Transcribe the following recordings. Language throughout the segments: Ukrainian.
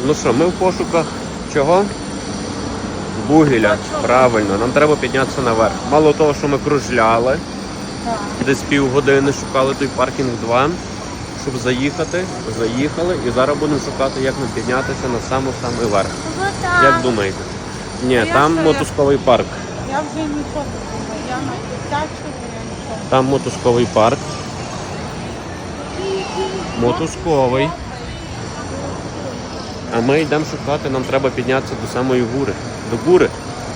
Ну що, ми в пошуках чого? Вугілля, правильно, нам треба піднятися наверх. Мало того, що ми кружляли, десь півгодини шукали той паркінг 2, щоб заїхати, заїхали і зараз будемо шукати, як нам піднятися на самий верх. Як думаєте? Ні, там мотузковий парк. Я вже нічого не думаю, я на дитячу, я нічого. Там мотузковий парк. Мотузковий. А ми йдемо шукати, нам треба піднятися до самої гори. До гори.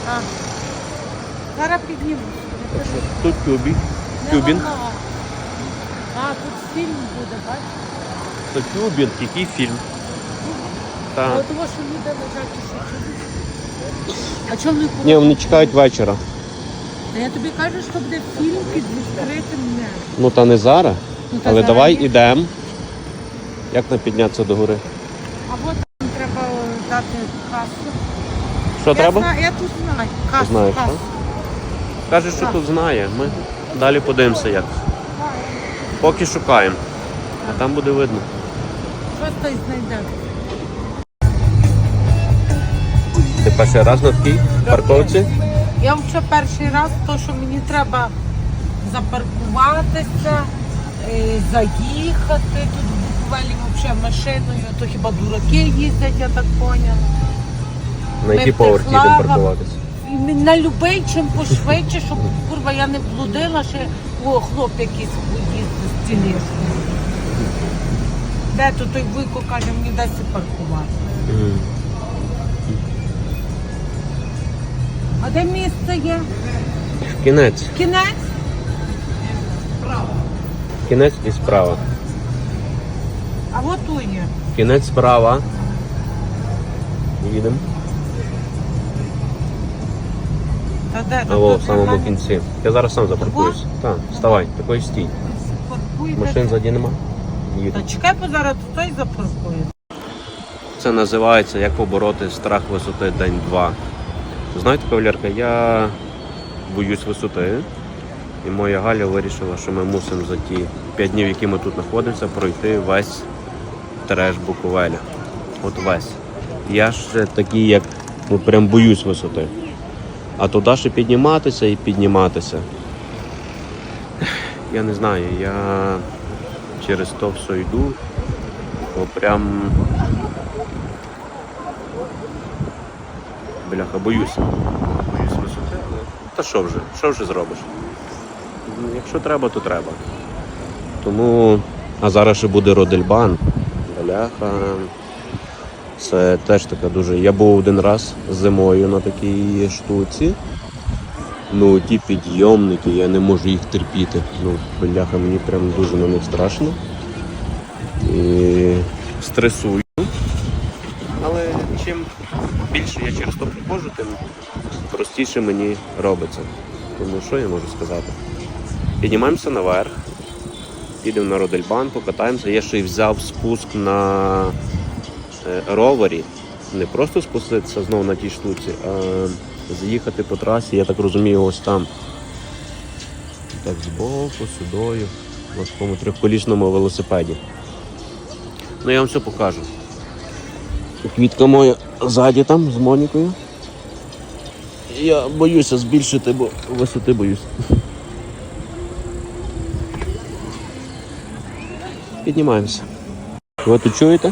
Зараз підніму. Тут тюбінг. Тут фільм буде, бачиш? Це тюбінг, який фільм. А от того, що люди лежать і що? А чому не купили? Ні, вони чекають вечора. Та я тобі кажу, що буде фільм під відкритим небом. Ну та не зараз. Ну, та Але зараз давай є. ідемо. Як нам піднятися до гори? А от там треба дати касу. Що треба? Я тут знаю. Касу, Знаєш, касу. так? Каже, що тут знає. Ми далі подивимося як. Поки шукаємо. А там буде видно. Щось той знайде. Ти перший раз на такій парковці? Я вже перший раз, то що мені треба запаркуватися, заїхати. Тут в Буковелі взагалі машиною, то хіба дураки їздять, я так поняла. На який поверх їдемо паркуватися? І на любий, чим пошвидше, щоб курва я не блудила, ще хлоп якийсь їздить з тілешкою. Де то той Вуйко каже, мені дай паркувати. А де місце є? Кінець. Кінець? Кінець і справа. А от тут є. Кінець справа. Їдемо. Та де? А во, в самому кінці. Я зараз сам запаркуюсь. Так, вставай, такий стій. Машин ззаді нема. Та Їду. чекай, бо зараз той запаркує. Це називається «Як побороти страх висоти день 2». Знаєте, кавалерка, я боюсь висоти. І моя Галя вирішила, що ми мусимо за ті 5 днів, які ми тут знаходимося, пройти весь треш Буковеля. От весь. Я ж такий, як прям боюсь висоти. А туди ще підніматися і підніматися. Я не знаю, я через то все йду, бо прям бляха, боюся. Боюсь висоти, але та що вже зробиш? Якщо треба, то треба. Тому, а зараз ще буде Родельбан. Бляха. Це теж така дуже... Я був один раз зимою на такій штуці. Ну, ті підйомники, я не можу їх терпіти. Ну, бляха, мені прям дуже на них страшно. І стресую. Але чим більше я через то проходжу, тим простіше мені робиться. Тому що я можу сказати? Піднімаємося наверх, підемо на Родельбан, покатаємося. Я ще й взяв спуск на ровері. Не просто спуститися знову на тій штуці, а заїхати по трасі, я так розумію, ось там. Так, збоку, сюдою, на такому трьохколісному велосипеді. Ну, я вам все покажу. Квітка моя ззаді там, з Монікою. Я боюся збільшити, бо висоти боюсь. Піднімаємося. Ви тут чуєте?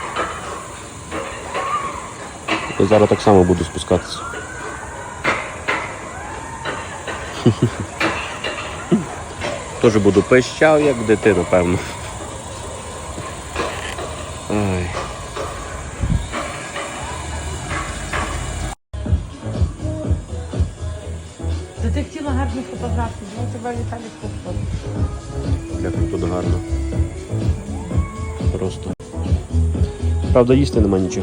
Я зараз так само буду спускатися. Теж буду пищав, як дитина, певно. Ай. Та ти хотіла гарні фотографії, ну тебе Віталій фотографії. Як тут гарно. Просто. Правда, їсти нема нічого.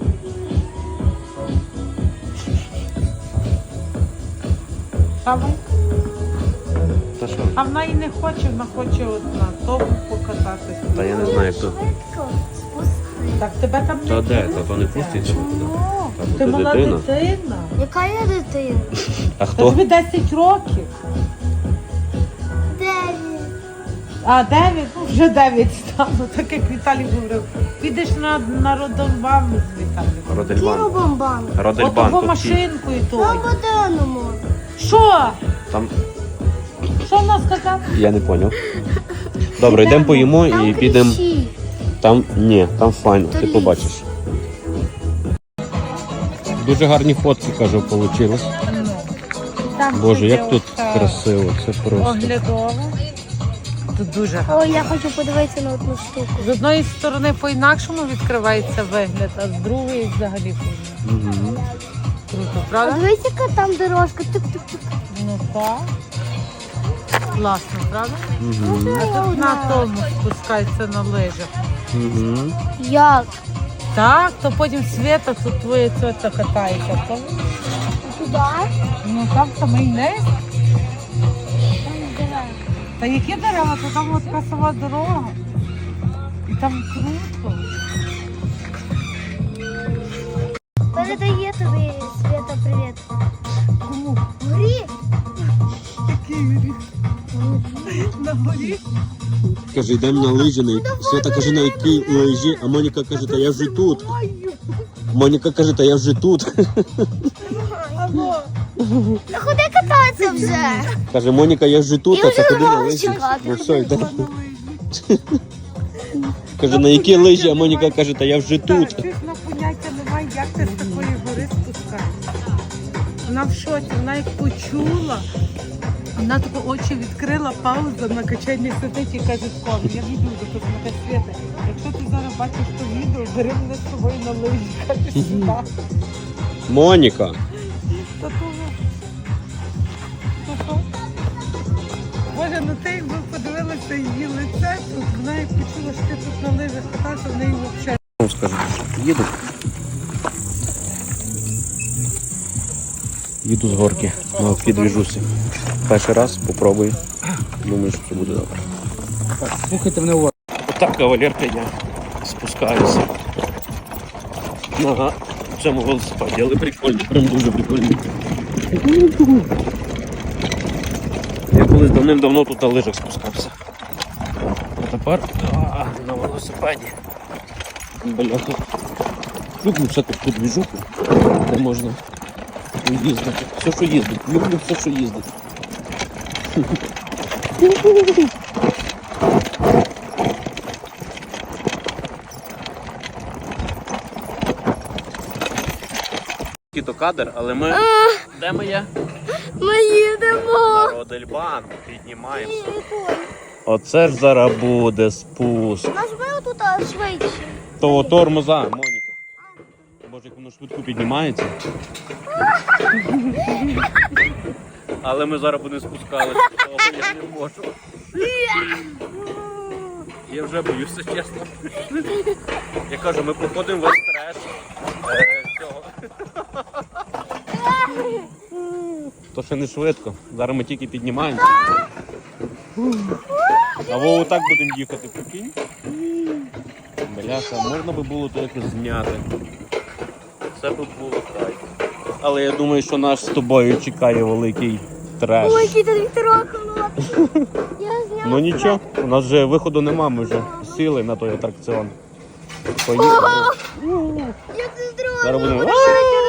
Давай. Та що? А вона і не хоче, вона хоче от на тому покататися. Та я не знаю, як то. Так тебе там Та не де? пустять. Та то не пустять. Та Ти то мала дитина. дитина. Яка я дитина? А Та хто? тобі 10 років. 9. А 9? Ну, вже 9 стало, так як Віталій говорив. Підеш на Родельбан з Віталієм. Родельбан. Бомбан. Родельбан. Отого тут машинкою На той. буденному. Що? Там Що в нас сказав? я не поняв. Добре, йдемо поїмо і підемо. Там ні, там файно, ти ліс. побачиш. Дуже гарні фотки, кажу, вийшло. Там Боже, ще як тут є красиво, це просто. оглядово. Тут дуже гарно. Ой, я хочу подивитися на одну штуку. З одної сторони по-інакшому відкривається вигляд, а з другої взагалі по-інакшому. Угу. Круто, А правда? дивись, яка там дорожка. Тук-тук-тук. Ну так. Класно, правда? Угу. А тут на тому спускається на лижах. Угу. Як? Так, то потім Свята, тут твоя тьотя катається. Помниш? Туди? Ну там самий низ. Там дерева. Та які дерева, то там от така сама дорога. І там круто. Передає тобі, Свята, привіт. Кому? Горі? Який гріх? На горі? Каже, йдемо на лижі, Свята каже, на якій лижі, а Моніка каже, та я вже тут. Моніка каже, та я вже тут. Алло. Та ходи кататися вже. Каже, Моніка, я вже тут, Я а це вже ходи на мала лижі. чекати. Ну все, йде. Каже, на якій лижі, а Моніка каже, та я вже тут. Так, чесно, поняття немає, як ти з такої гори спускаєшся. Вона в шоці, вона як почула. Вона тако очі відкрила, пауза на качанні сидить і каже, скоро, я відео записувати Свята. Якщо ти зараз бачиш то відео, бери мене з собою на лижі, каже, сюди. Моніка. Та того. Та-то. Боже, ну ти якби подивилася її лице, тут вона як почула, що ти тут на лижах катався, в неї взагалі. Скажу, їду. Їду з горки на підвіжуся. Перший раз попробую. Думаю, що це буде добре. Так, слухайте мене уважно. Отак, кавалерка, я спускаюся. Ага, в цьому велосипеді, але прикольно, прям дуже прикольно. Я колись давним-давно тут на лижах спускався. А тепер на велосипеді. Бляха. Люблю всяку тут двіжуху, де можна їздити. Все, що їздить. Люблю все, що їздить. То кадр, але ми... Де ми є? Ми їдемо. На Родельбан. Піднімаємося. Оце ж зараз буде спуск. Нажми отут швидше. Того тормоза, Моніка. Боже, як воно швидко піднімається. Але ми зараз будемо спускалися, того я не можу. Я вже боюся, чесно. Я кажу, ми проходимо весь треш цього. То ще не швидко. Зараз ми тільки піднімаємося. А Вову так будемо їхати, прикинь. Бляха, можна би було то якось зняти. Це би було край. Але я думаю, що нас з тобою чекає великий треш. Ой, який тут вітерок холодний. Я зняла. Ну нічого, у нас вже виходу нема, ми вже сіли на той атракціон. Поїхали. Я тут здрою. Зараз будемо.